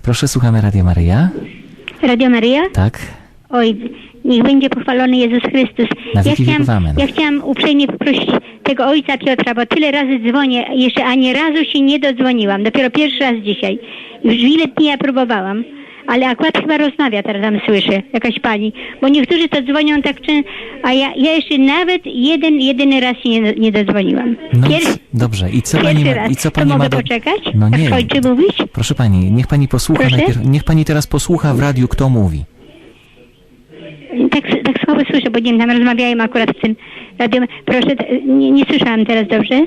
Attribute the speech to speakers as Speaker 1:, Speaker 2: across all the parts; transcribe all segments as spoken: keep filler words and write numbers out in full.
Speaker 1: Proszę, słuchamy Radio Maryja.
Speaker 2: Radio Maryja?
Speaker 1: Tak.
Speaker 2: Oj, niech będzie pochwalony Jezus Chrystus.
Speaker 1: Na
Speaker 2: Ja
Speaker 1: wieki
Speaker 2: chciałam,
Speaker 1: wieków amen.
Speaker 2: ja chciałam uprzejmie poprosić tego ojca Piotra, bo tyle razy dzwonię, jeszcze ani razu się nie dodzwoniłam. Dopiero pierwszy raz dzisiaj. Już ile dni ja próbowałam. Ale akurat chyba rozmawia, teraz tam słyszę, jakaś pani. Bo niektórzy to dzwonią tak często, a ja, ja jeszcze nawet jeden, jedyny raz się nie, nie dodzwoniłam.
Speaker 1: No
Speaker 2: Pier...
Speaker 1: dobrze. I co pani
Speaker 2: Pierwszy
Speaker 1: ma,
Speaker 2: raz.
Speaker 1: i co
Speaker 2: To
Speaker 1: pani
Speaker 2: mogę
Speaker 1: ma do...
Speaker 2: poczekać?
Speaker 1: No
Speaker 2: Jak
Speaker 1: nie.
Speaker 2: skończy mówić?
Speaker 1: Proszę pani, niech pani posłucha
Speaker 2: Proszę?
Speaker 1: najpierw, niech pani teraz posłucha w radiu, kto mówi.
Speaker 2: Tak, tak słabo słyszę, bo nie wiem, tam rozmawiają akurat w tym radiu. Proszę, t- nie, nie słyszałam teraz dobrze?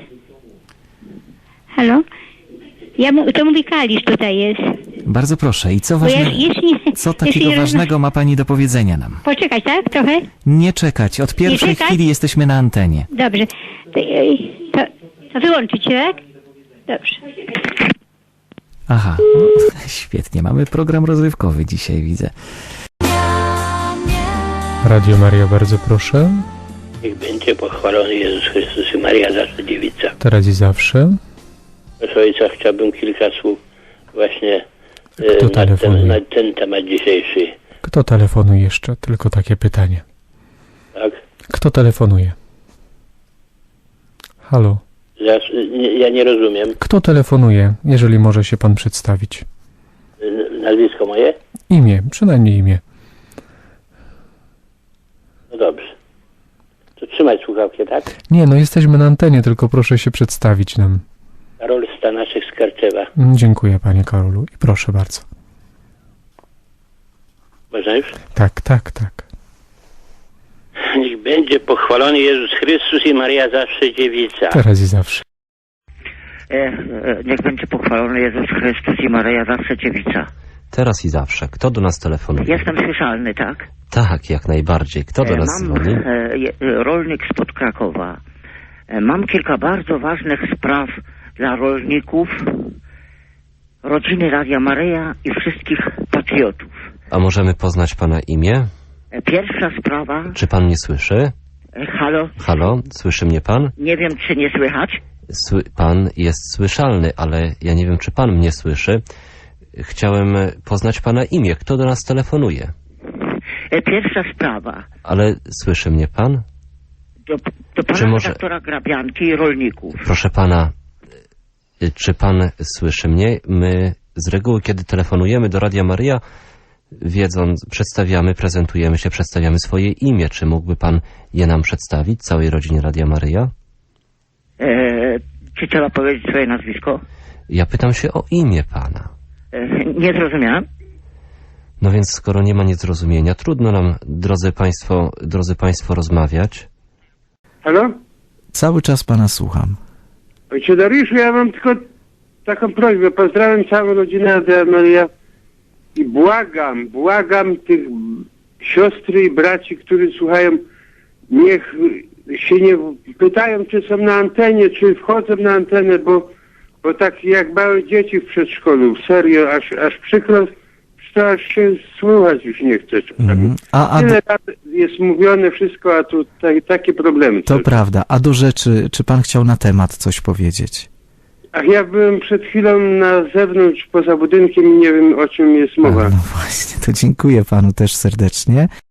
Speaker 2: Halo? Ja mu, to mówi Kalisz tutaj jest.
Speaker 1: Bardzo proszę. I co
Speaker 2: Bo ja
Speaker 1: ważne,
Speaker 2: jeszcze nie,
Speaker 1: co
Speaker 2: jeszcze
Speaker 1: takiego
Speaker 2: nie rozma-
Speaker 1: ważnego ma pani do powiedzenia nam?
Speaker 2: Poczekać, tak? Trochę?
Speaker 1: Nie czekać. Od pierwszej
Speaker 2: czekać?
Speaker 1: chwili jesteśmy na antenie.
Speaker 2: Dobrze. To, ej, to, to wyłączyć, tak? Dobrze.
Speaker 1: Aha. No, świetnie. Mamy program rozrywkowy dzisiaj, widzę.
Speaker 3: Radio Maria, bardzo proszę.
Speaker 4: Niech będzie pochwalony Jezus Chrystus i Maria Zawsze Dziewica.
Speaker 3: Teraz i zawsze.
Speaker 4: Proszę ojca, chciałbym kilka słów właśnie
Speaker 3: Kto
Speaker 4: e, na,
Speaker 3: telefonuje?
Speaker 4: ten, na ten temat dzisiejszy.
Speaker 3: Kto telefonuje jeszcze? Tylko takie pytanie.
Speaker 4: Tak?
Speaker 3: Kto telefonuje? Halo?
Speaker 4: Zas, nie, ja nie rozumiem.
Speaker 3: Kto telefonuje, jeżeli może się pan przedstawić?
Speaker 4: N- Nazwisko moje?
Speaker 3: Imię, przynajmniej imię.
Speaker 4: No dobrze. To trzymać słuchawkę, tak?
Speaker 3: Nie, no jesteśmy na antenie, tylko proszę się przedstawić nam.
Speaker 4: Karol Stanaszek z Karczewa.
Speaker 3: Mm, Dziękuję, panie Karolu, i proszę bardzo.
Speaker 4: Można już?
Speaker 3: Tak, tak, tak.
Speaker 4: Niech będzie pochwalony Jezus Chrystus i Maria Zawsze Dziewica.
Speaker 3: Teraz i zawsze.
Speaker 5: E, e, niech będzie pochwalony Jezus Chrystus i Maryja Zawsze Dziewica.
Speaker 6: Teraz i zawsze. Kto do nas telefonuje?
Speaker 5: Jestem słyszalny, tak?
Speaker 6: Tak, jak najbardziej. Kto do
Speaker 5: E,
Speaker 6: nas
Speaker 5: mam,
Speaker 6: dzwoni?
Speaker 5: e, je- e, rolnik spod Krakowa. E, mam kilka bardzo ważnych spraw dla rolników, rodziny Radia Maryja i wszystkich patriotów.
Speaker 6: A możemy poznać pana imię?
Speaker 5: E, pierwsza sprawa...
Speaker 6: Czy pan mnie słyszy?
Speaker 5: E, halo?
Speaker 6: Halo? Słyszy mnie pan?
Speaker 5: Nie wiem, czy nie słychać?
Speaker 6: Sły pan jest słyszalny, ale ja nie wiem, czy pan mnie słyszy. Chciałem poznać pana imię. Kto do nas telefonuje?
Speaker 5: E, pierwsza sprawa
Speaker 6: Ale słyszy mnie pan?
Speaker 5: do, do pana
Speaker 6: Czy może-
Speaker 5: redaktora Grabianki i rolników.
Speaker 6: Proszę pana, y, czy pan słyszy mnie? My z reguły, kiedy telefonujemy do Radia Maryja, wiedząc, przedstawiamy, prezentujemy się, przedstawiamy swoje imię. Czy mógłby pan je nam przedstawić, całej rodzinie Radia Maryja?
Speaker 5: E, czy trzeba powiedzieć swoje nazwisko?
Speaker 6: Ja pytam się o imię pana.
Speaker 5: E, nie zrozumiałem.
Speaker 6: No więc skoro nie ma niezrozumienia, trudno nam, drodzy państwo, drodzy państwo, rozmawiać.
Speaker 7: Halo?
Speaker 1: Cały czas pana słucham.
Speaker 7: Ojcze Dariuszu, ja mam tylko taką prośbę. Pozdrawiam całą rodzinę Radia Maryja i błagam, błagam tych siostry i braci, którzy słuchają, niech się nie pytają, czy są na antenie, czy wchodzą na antenę, bo, bo tak jak małe dzieci w przedszkolu, serio, aż, aż przykro, to aż się słuchać już nie chce.
Speaker 1: Mhm. A, a do,
Speaker 7: Tyle razy jest mówione wszystko, a tu ta, takie problemy.
Speaker 1: to prawda. A do rzeczy, czy pan chciał na temat coś powiedzieć?
Speaker 7: Ach, ja byłem przed chwilą na zewnątrz, poza budynkiem i nie wiem, o czym jest
Speaker 1: A,
Speaker 7: mowa.
Speaker 1: no właśnie, to dziękuję panu też serdecznie.